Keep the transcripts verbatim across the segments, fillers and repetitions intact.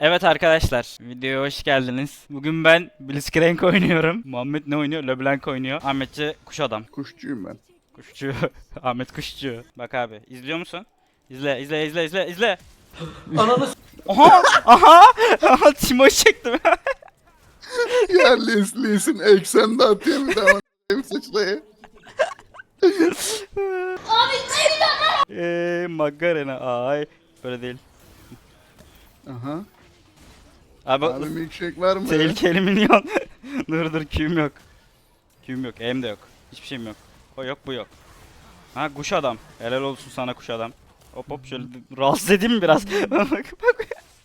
Evet arkadaşlar, videoya hoş geldiniz. Bugün ben Blitzcrank oynuyorum. Muhammed ne oynuyor? LeBlanc oynuyor. Ahmetçi kuş adam. Kuşçuyum ben. Kuşçu. Ahmet kuşçu. Bak abi, izliyor musun? İzle, izle, izle, izle, izle. Ananı s- Aha! Aha! Aha! Timo'yu çektim. Ya Leslie'sin eksende atıyor bir daha benim sıçrayı. Eee Magarena ay. Böyle değil. Aha. Abi, Abi milkshake var mı? tehlikeli minyon. Dur dur, Q'm yok. Q'm yok, E'm de yok. Hiçbir şeyim yok. O yok, bu yok. Ha, kuş adam. Helal olsun sana kuş adam. Hop hop, şöyle rahatsız edeyim mi biraz? Bak bak.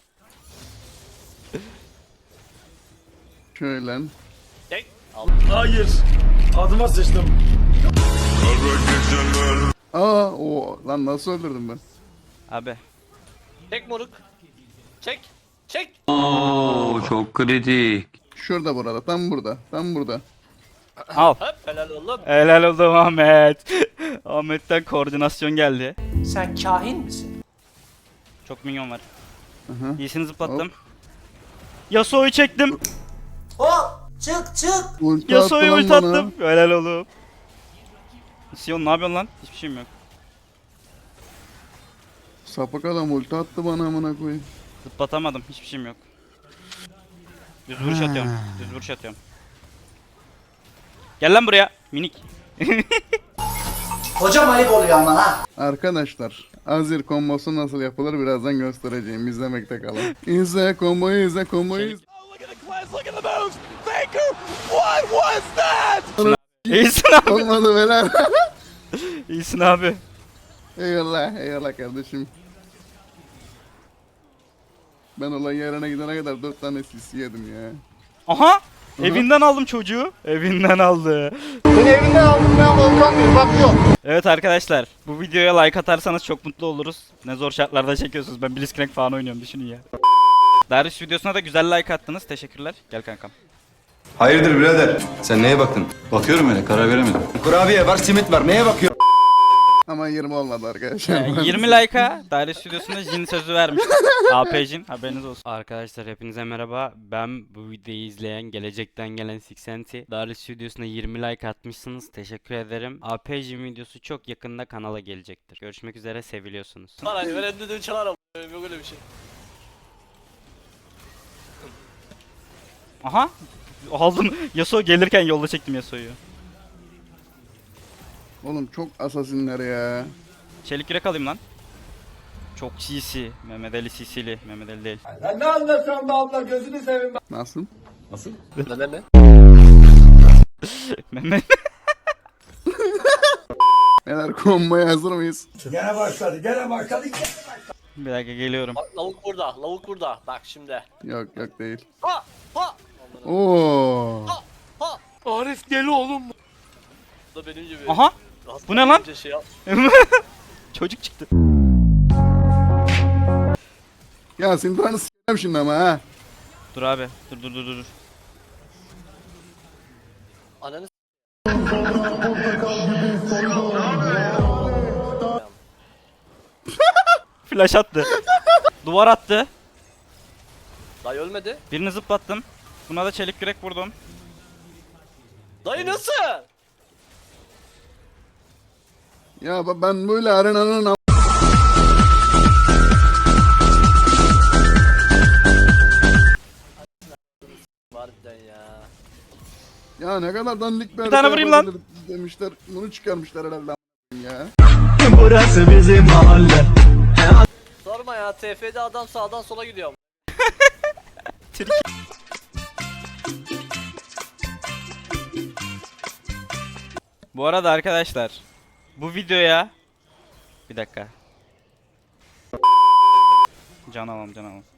Şöyle. Hayır. Adıma sıçtım. Aa o lan nasıl öldürdüm ben? Abi. Çek moruk. Çek. Çek. Oo, çok kritik. Şurada burada tam burada tam burada. Al. Hop helal oğlum. Helal oldu Ahmet. Ahmet'ten koordinasyon geldi. Sen kahin misin? Çok minyon var. Aha. İyisini zıplattım. Yasuo'yu çektim. Hop. Çık çık. Ulti Yasuo'yu attı ulti lan bana. attım. Helal oğlum. Sion ne yapıyorsun lan? Hiçbir şeyim yok. Sapık adam ulti attı bana amına koyayım. Zıplatamadım. Hiçbir şeyim yok. Düz vuruş atıyorum. Düz vuruş atıyorum. Gel lan buraya. Minik. Hocam ayıp oluyor ama ha. Arkadaşlar Azir kombosu nasıl yapılır birazdan göstereceğim. İzlemekte kalın. İzle komboyu izle komboyu izle. İyisin abi. Olmadı beyler. İyisin abi. Eyvallah eyvallah kardeşim. Ben olay yerine gidene kadar dört tane sisi yedim ya. Aha. Evinden aldım çocuğu. Evinden aldı. Seni evinden aldım ben Volkan bir bak yok. Evet arkadaşlar, bu videoya like atarsanız çok mutlu oluruz. Ne zor şartlarda çekiyorsunuz. Ben Blitzcrank falan oynuyorum, düşünün ya. Darius videosuna da güzel like attınız. Teşekkürler. Gel kankam. Hayırdır birader? Sen neye baktın? Bakıyorum öyle, karar veremedim. Kurabiye var, simit var. Neye bakıyorsun? Ama yirmi olmadı arkadaşlar. Ee, yirmi like'a Darius videosunda Jin sözü vermiş. A P Jin, haberiniz olsun. Arkadaşlar hepinize merhaba. Ben bu videoyu izleyen, gelecekten gelen Sixenti. Darius videosuna yirmi like atmışsınız. Teşekkür ederim. A P Jin videosu çok yakında kanala gelecektir. Görüşmek üzere, seviliyorsunuz. Parayı veren dedim çalar ama. Yok öyle bir şey. Aha! Aldım. Yasuo gelirken yolda çektim Yasuo'yu. Oğlum çok asasinler ya. Çelik yürek alayım lan. Çok C C. Mehmet Ali C C'li. Mehmet Ali değil. Sen ne anlatıyorsun be abla gözünü seveyim ben. Nasıl? Ne ne ne? Mehmet. Beyler komboya hazır mıyız? Gene başladı gene başladı. Bir dakika geliyorum. Bak lavuk burada lavuk burada. Bak şimdi. Yok yok değil. Ha ha. Oo. Ha. Arif deli oğlum. Bu da benim gibi. Aha! Hasta bu ne lan? önce Şey yap- Çocuk çıktı. Ya Sintan'ı s**eceğim şimdi ama ha. Dur abi. Dur dur dur dur. Ananı s- Flash attı. Duvar attı. Dayı ölmedi. Birini zıplattım. Buna da çelik yürek vurdum. Dayı nasıl? Ya ba- ben böyle arenanın am- Harbiden ya. Ya ne kadar dandik bir tane vurayım lan. yapabilir demişler. Bunu çıkarmışlar herhalde am- ya. Sorma ya T F'de adam sağdan sola gidiyor. Bu arada arkadaşlar, bu videoya bir dakika. Can alalım, can alalım.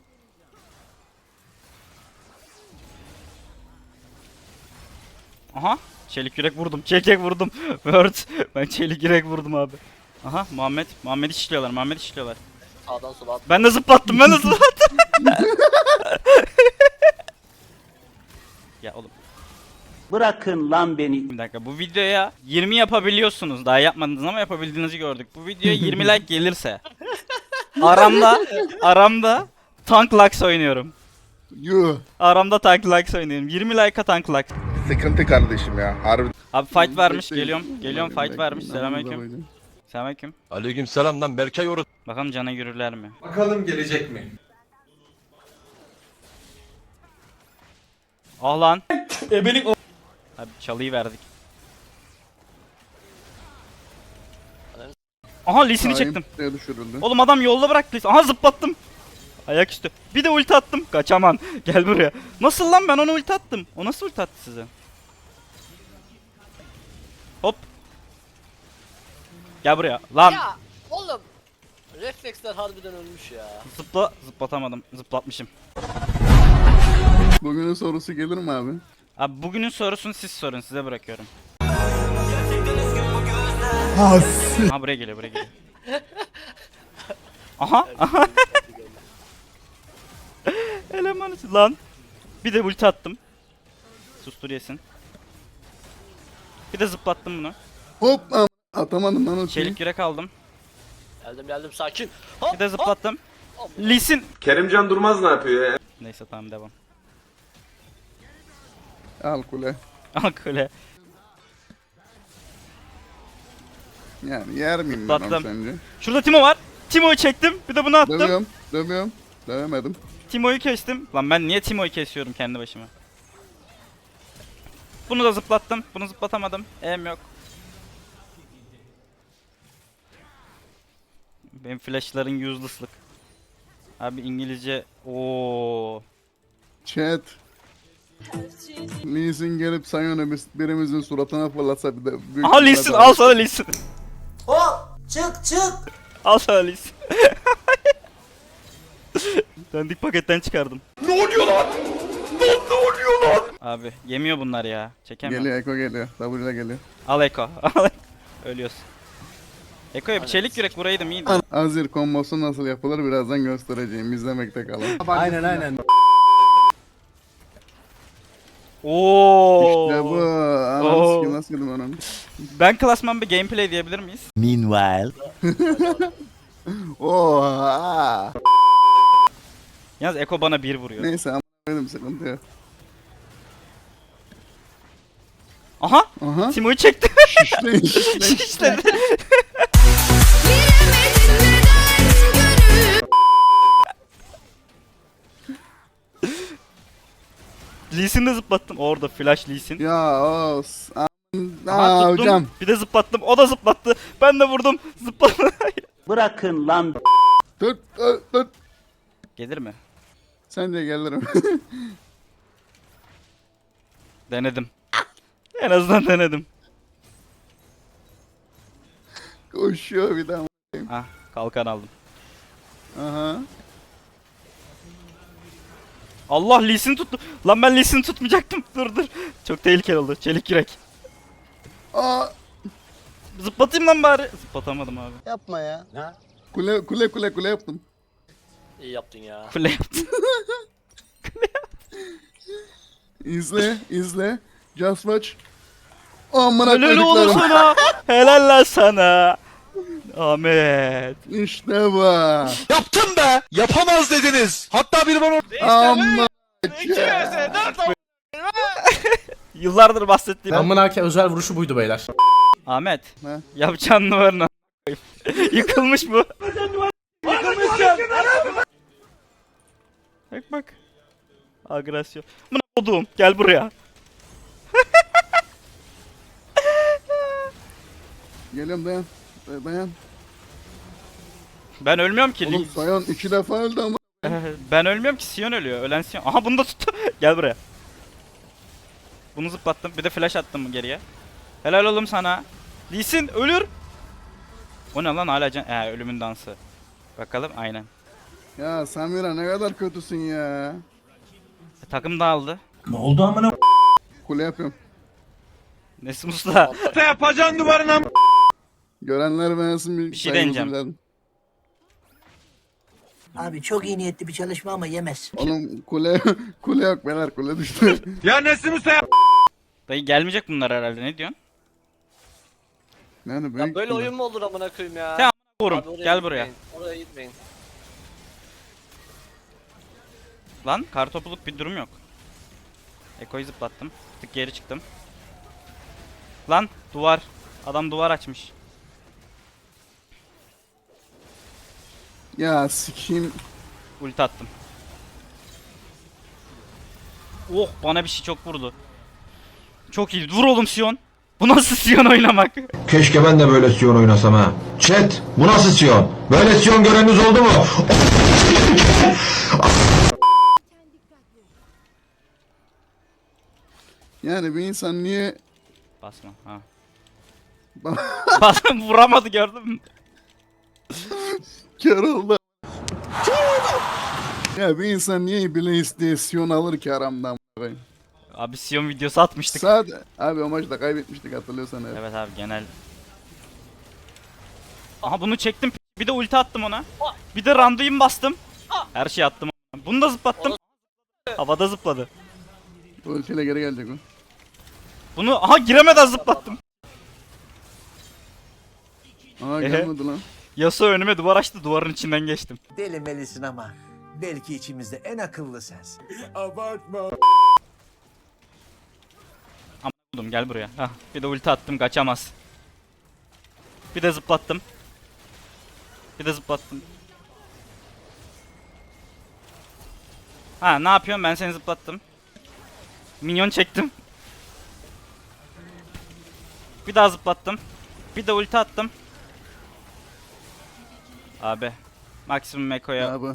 Aha, çelik yürek vurdum. Çelik yürek vurdum. Word. Ben çelik yürek vurdum abi. Aha, Muhammed. Muhammed'i şişliyorlar. Muhammed'i şişliyorlar. Sağdan sola at. Ben de zıplattım. Ben de zıplattım. Ya oğlum. Bırakın lan beni. Bir dakika, bu videoya yirmi yapabiliyorsunuz. Daha yapmadınız ama yapabildiğinizi gördük. Bu videoya yirmi like gelirse aramda aramda Tank Lux oynuyorum. Yuh. Aramda Tank Lux oynuyorum. yirmi like'a Tank Lux. Sıkıntı kardeşim ya. Harbi. Abi fight vermiş. Bekleyin. Geliyorum. Geliyorum fight Bekleyin, vermiş. bekleyin. Selamünaleyküm. Namazı Selamünaleyküm. Aleyküm selam lan Berkay Oru. Bakalım cana yürürler mi? Bakalım gelecek mi? Ah lan. Ebelik o. Abi çalıyı verdik. Aha Lee'sini Hain çektim. pusuya düşürüldü. Oğlum adam yolda bıraktı Lee'si. Aha zıplattım. Ayaküstü. Bir de ulti attım. Kaçaman. Gel buraya. Nasıl lan ben ona ulti attım? O nasıl ulti attı size? Hop. Gel buraya. Lan. Ya oğlum refleksler harbiden ölmüş ya. Zıpla. Zıplatamadım. Zıplatmışım. Bugünün sorusu gelir mi abi? Abi bugünün sorusunu siz sorun. Size bırakıyorum. Aha buraya geliyor. Buraya geliyor. Aha. Aha. Eleman için- lan. Bir de ulti attım. Sustur yesin. Bir de zıplattım bunu. Hop am- atamadım lan o şeyi. Çelik yürek aldım. Geldim geldim sakin. Hop, Bir de zıplattım. hop. Lisin. Kerimcan Durmaz ne yapıyor ya? Neyse tamam devam. Al kule. Al kule. Yani yer miyim ben onu Zıplattım. sence? Şurada Timo var. Timo'yu çektim. Bir de bunu attım. Dövüyorum. Dövüyorum. Dövemedim. Timo'yu kestim. Lan ben niye Timo'yu kesiyorum kendi başıma? Bunu da zıplattım. Bunu zıplatamadım. Em yok. Benim flashların useless'lık. Abi İngilizce. Oo. Chat. Lee Sin gelip Sion'u biz- birimizin suratına fırlatsa bir de büyük Aha ihtimalle Lisin daha- al sana Lisin. Hop çık çık. Al sana Lisin. Dandik paketten çıkardım. Ne oluyor lan? Ne, ne oluyor lan? Abi yemiyor bunlar ya. Çekemiyorum. Geliyor Eko geliyor. W ile geliyor. Al Eko. Al. Ölüyorsun. Eko'ya bir çelik yürek vuraydım iyiydi. Azir kombosu nasıl yapılır birazdan göstereceğim. İzlemekte kalın. Aynen aynen. Oo. İşte bu. Oo. Ananı sikim nasıl yedim ananı. Ben klasman bir gameplay diyebilir miyiz? Oha. Yalnız Eko bana bir vuruyor. Neyse ama benim sıkıntı yok. Aha! Aha. Timo'yu çekti. Şişleyin şişleyin. İşte. Lee Sin'i de zıplattım. Orada flash Lee Sin. Ya os. Aa Aha, tuttum. hocam. Bir de zıplattım. O da zıplattı. Ben de vurdum. Zıplattı. Bırakın lan Dur dur dur. Gelir mi? Sen de gelirim. Denedim. En azından denedim. Koşuyor bir daha. Ah, kalkan aldım. Aha. Allah Lee Sin tuttu. Lan ben Lee Sin tutmayacaktım. Dur dur. Çok tehlikeli oldu. Çelik yürek. Aa. Zıplatayım lan bari. Zıplatamadım abi. Yapma ya. Kule kule kule kule yaptım. İyi yaptın ya. Kule yaptı. İzle izle. Just watch. Amına Helal oğlum koyduklarım. sana. Helal lan sana. Ahmet. İşte bu. Yaptım be! Yapamaz dediniz. Hatta bir bana... Amma. Yıllardır bahsettiğim. Amına ke özel vuruşu buydu beyler. Ahmet. Ne? Yapacağın numaranı yıkılmış bu. Bak bak. Agresyon. Buna odum. Gel buraya. Geliyorum dayan. Dayan. Ben ölmüyorum ki. Oğlum Sion iki defa öldü ama. Ben ölmüyorum ki. Sion ölüyor. Ölen Sion. Aha bunu da tuttu. Gel buraya. Bunu zıplattım. Bir de flash attım geriye. Helal oğlum sana. Lee Sin ölür. O ne lan hala can... Ee, ölümün dansı. Bakalım aynen. Ya Samira ne kadar kötüsün ya. E, takım dağıldı. Kule yapıyorum. Nesim Usta. Ne yapacaksın duvarına? Görenler beğensin bir, Bir şey saygımızı deneyeceğim. bilelim. Abi çok iyi niyetli bir çalışma ama yemez. Oğlum kule kule yok beyler kule düştü. Ya Nesim Usta yap. Dayı gelmeyecek bunlar herhalde. Ne diyorsun? Yani Ya büyük böyle kule. oyun mu olur amına koyayım ya? Ya, Vurum. Abi oraya Gel buraya. gitmeyin, Oraya gitmeyin. Lan kartopuluk bir durum yok. Eko'yu zıplattım. Bir tık geri çıktım. Lan duvar. Adam duvar açmış. Ya sikeyim. Ulti attım. Oh bana bir şey çok vurdu. Çok iyi. Vur oğlum Sion. Bu nasıl Sion oynamak? Keşke ben de böyle Sion oynasam ha. Chat, bu nasıl Sion? Böyle Sion göreniniz oldu mu? Yani bir insan niye Basma ha. Basma vuramadı gördün mü? kör oldu? Ya bir insan niye bile isteye Sion alır ki aramdan? Abi Sion videosu atmıştık. Sadece abi o maçta kaybetmiştik hatırlıyorsan. Evet. Evet abi genel. Aha bunu çektim. Bir de ulti attım ona. Bir de randuin bastım. Her şeyi attım. Bunu da zıplattım. Havada zıpladı. Ultiyle geri gelecek o. Bunu aha giremeden zıplattım. Aa Ehe. gelmedi lan. Yasuo önüme duvar açtı. Duvarın içinden geçtim. Deli melisin ama belki içimizde en akıllı sensin. Buldum gel buraya. Hah, bir de ulti attım kaçamaz. Bir de zıplattım. Bir de zıplattım. Ha ne yapıyorum ben seni zıplattım. Minyon çektim. Bir daha zıplattım. Bir de ulti attım. Abi. Maksimum Eko'ya. Abi.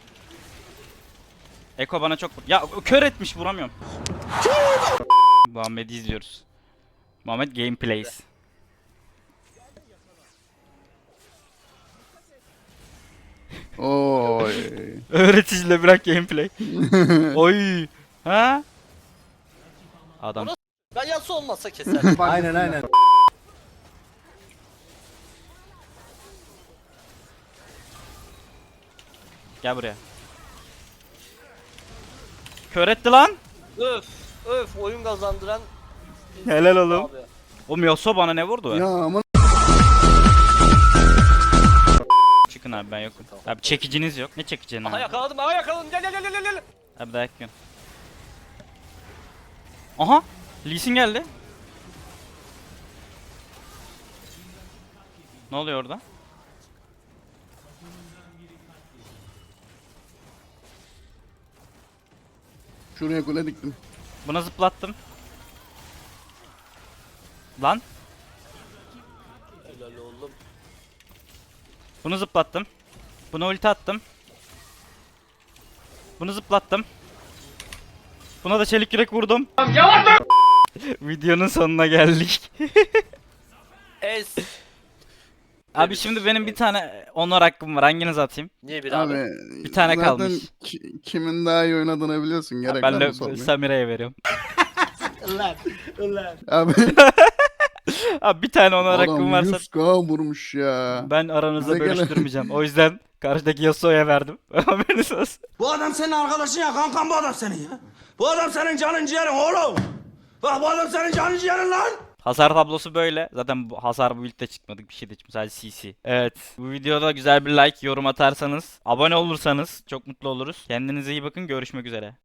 Eko bana çok vur. Ya kör etmiş vuramıyorum. Muhammed'i izliyoruz. Muhammed gameplays. Oy. Öğreticiyle bırak gameplay. Oy. Ha? Adam. Ben Yasuo olmasa keserdim. Aynen aynen. Gel buraya. Kör etti lan. öf öf oyun kazandıran. Helal oğlum. Abi. O Yasuo bana ne vurdu? Ya aman. Çıkın abi ben yokum. Abi çekiciniz yok. Ne çekeceğini Aha abi? yakaladım aha yakaladım gel gel gel gel gel. Abi dayak yiyorsun. Aha! Lee Sin geldi. Ne oluyor orada? Şuraya kule diktim. Buna zıplattım. Lan. Helal oğlum. Bunu zıplattım. Buna ulti attım. Bunu zıplattım. Buna da çelik yürek vurdum. Videonun sonuna geldik. Ez. Abi şimdi benim bir tane honor hakkım var. Hanginizi atayım? Niye bir Abi, abi? Bir tane zaten kalmış. ki- kimin daha iyi oynadığını biliyorsun. Gerek Ben var de mı sormaya? Samire'ye veriyorum. Abi Abi bir tane honor hakkım adam varsa yüz K vurmuş ya. ben aranızda Bize gelen- bölüştürmeyeceğim. O yüzden karşıdaki Yasuo'ya verdim. Haberiniz olsun. Bu adam senin arkadaşın ya kankam bu adam senin ya. Bu adam senin canın ciğerin oğlum. Bak bu adam senin canın ciğerin lan. Hasar tablosu böyle. Zaten bu hasar bu build'de çıkmadık bir şey de çıkmış. Sadece C C. Evet. Bu videoda güzel bir like, yorum atarsanız, abone olursanız çok mutlu oluruz. Kendinize iyi bakın. Görüşmek üzere.